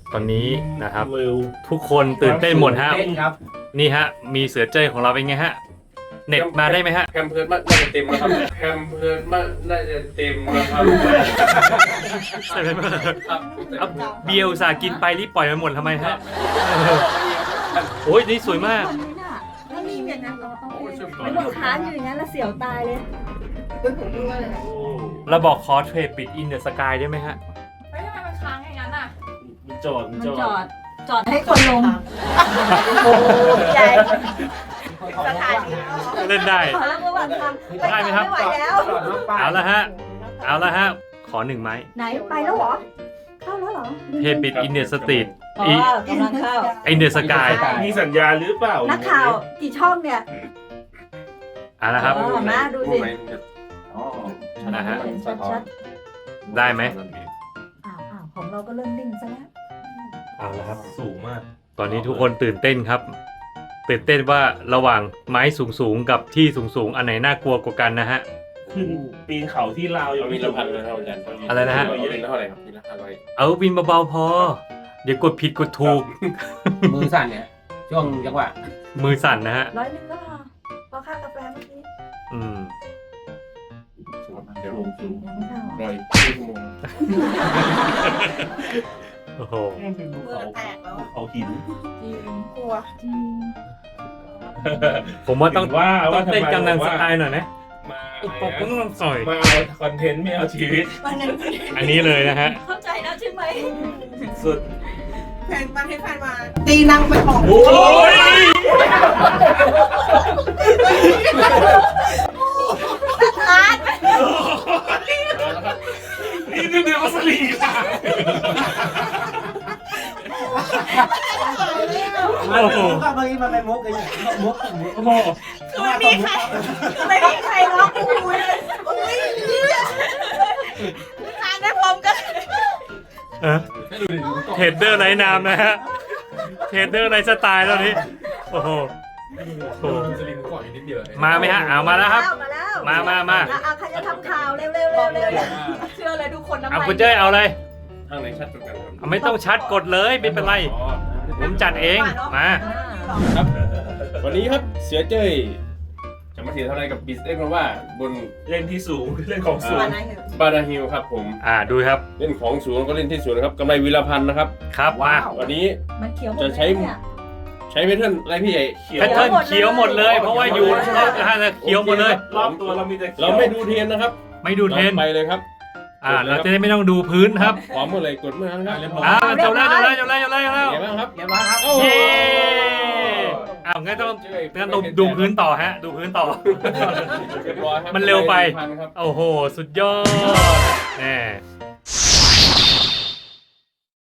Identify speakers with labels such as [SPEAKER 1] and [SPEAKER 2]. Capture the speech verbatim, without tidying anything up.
[SPEAKER 1] ตอนนี้นะครับทุกคนตื่นเต้นหมดฮะนี่ฮะมีเสือเจ้ยของเราเป็นไงฮะเน็ตมาได้ไหมฮะ
[SPEAKER 2] แคมเพิร์ดมันน่าจะเต็มแล้วครับแคมเพิร์ดมันน่าจะเต็มแล้วครับ
[SPEAKER 1] ใช่ไหมครับเบียร์อุตส่าห์กินไปรีบปล่อยมาหมดทำไมฮะโอ้ยนี่สวยมาก
[SPEAKER 3] ไม่มีอย่างนั้นมันอยู่ค้างอยู่อย่างนั้นแล้วเสียวตายเลย
[SPEAKER 1] เราบอกคอเทรดปิดอินเดอะสกายได้ไหมฮะ
[SPEAKER 4] ไม่ทำไมมันค้างอย่างนั้นอ่ะ
[SPEAKER 1] มันจอดมันจอด
[SPEAKER 3] จอดให้คนลงโอ้ใหญ่สถานี
[SPEAKER 1] เล่นได้
[SPEAKER 3] ได้ไหมครับ
[SPEAKER 1] เอาละฮะเอาละฮะขอหนึ่งไม้
[SPEAKER 3] ไหนไปแล้วเหรอเข้าแล้วเหรอ
[SPEAKER 1] เทปิดอินเดอะสตรีท
[SPEAKER 3] อ๋อกำลังเข้า
[SPEAKER 1] อินเดอะสกาย
[SPEAKER 2] มีสัญญาหรือเปล่า
[SPEAKER 3] นักข่าวกี่ช่องเนี่ย
[SPEAKER 1] เอาละครับ
[SPEAKER 3] มาดูสิ
[SPEAKER 1] นะฮะได้ไหม
[SPEAKER 3] อ้าวอ้าวของเราก็เริ่มนิ่งซะแล้ว
[SPEAKER 1] เอาละครับสูงมากตอนนี้ทุกคนตื่นเต้นครับตื่นเต้นว่าระหว่างไม้สูงๆกับที่สูงๆอันไหนน่ากลัวกว่ากันนะฮะ
[SPEAKER 2] ขึ้นปีนเขาที่ลาวยังมีละพันเลยครับอาจารย์
[SPEAKER 1] อะไรนะฮะ
[SPEAKER 2] ปีนเท่าไหร่ครับปีนละห้าร้อย
[SPEAKER 1] เอาปีนเบาๆพอเดี๋ยวกดผิดกดถูก
[SPEAKER 5] มือสั่นเนี่ยช่วงจังหวะ
[SPEAKER 1] มือสั่นนะฮะ
[SPEAKER 3] ร้อยหนึ่งก็พอพอค่ากาแฟเมื่อกี้
[SPEAKER 1] อืม
[SPEAKER 2] เดี๋ยวลงสูงร้อยชั่วโมง
[SPEAKER 1] โอ้โห
[SPEAKER 2] เขาหิน
[SPEAKER 3] จริงกลัวจริง
[SPEAKER 1] ผมว่าต้องว่าต้องเต้นกำลังสไตล์หน่อยนะ
[SPEAKER 2] มา
[SPEAKER 1] อุปกรณ์ต้องสอย
[SPEAKER 2] มาเอาคอนเทนต์ไม่เอาชีวิต
[SPEAKER 1] อันนี้เลยนะฮะ
[SPEAKER 3] เข้าใจแล้วใช่ไหม
[SPEAKER 2] สุด
[SPEAKER 4] แฟนมาให้แฟนมาตีนั่งไปของ
[SPEAKER 2] โอ้ย
[SPEAKER 3] ร้าน
[SPEAKER 2] นี่ดูเดี๋ยวมาสลีค่ะ
[SPEAKER 5] โอ้โหเมื่อกี้มันเป็นมุกเลยมุกมุกโอ้โห
[SPEAKER 3] คือไม่มีใครไม่มีใครร้องกูเลยทานได้พร้อมกัน
[SPEAKER 1] เทรดเดอร์ไร้นามนะฮะเทรดเดอร์ไร้สไตล์แล้วนี้โอ้โหมาไหมฮะเอามาแล้วครับมามามา
[SPEAKER 3] เอาใครจะทำข่าวเร็วเร็วเร็วเร็วเชื่อเลยทุกคนน้ำลาย
[SPEAKER 1] เอาคุณเจ้ยเอาเลย
[SPEAKER 2] ทางไหนชัดกว่ากันครับ
[SPEAKER 1] ไม่ต้องชัดกดเลยไม่เป็นไรผมจัดเองมา
[SPEAKER 2] ครับวันนี้ครับเสือเจ้ยจะมาเถียงเท่าไรกับบิสเอ็กซ์เพราะว่าบนเล่นที่สูงเล่นของสูงบานาฮิลครับผม
[SPEAKER 1] อ่าดูครับ
[SPEAKER 2] เล่นของสูงก็เล่นที่สูงนะครับกำไรวิลพันธ์นะครับ
[SPEAKER 1] ครับมา
[SPEAKER 2] วันนี้จะใช้ใช้แพทเทิร์นอะไรพี่ใหญ่
[SPEAKER 1] แพทเทิร์นเขียวหมดเลยเพราะว่าอยู่รอบนะฮะเขียวหมดเลย
[SPEAKER 2] รอบตัวเรามีแต่เราไม่ดูเทนนะครับ
[SPEAKER 1] ไม่ดูเทน
[SPEAKER 2] ไปเลยครับ
[SPEAKER 1] อ่าเราจะได้ไม่ต้องดูพื้นครับ
[SPEAKER 2] พร้อมหมดเลยกดเมื่อนั้นครับ
[SPEAKER 1] อ่าจบแล้วจบแล้วจบแล้วจบแล้วจบแล้ว
[SPEAKER 2] เดี๋ยวบ้างครับ
[SPEAKER 5] เดี๋ยวบ้างครับ
[SPEAKER 1] เย้อ้าวงั้นต้องงั้นต้องดูพื้นต่อฮะดูพื้นต่อมันเร็วไปโอ้โหสุดยอดแน่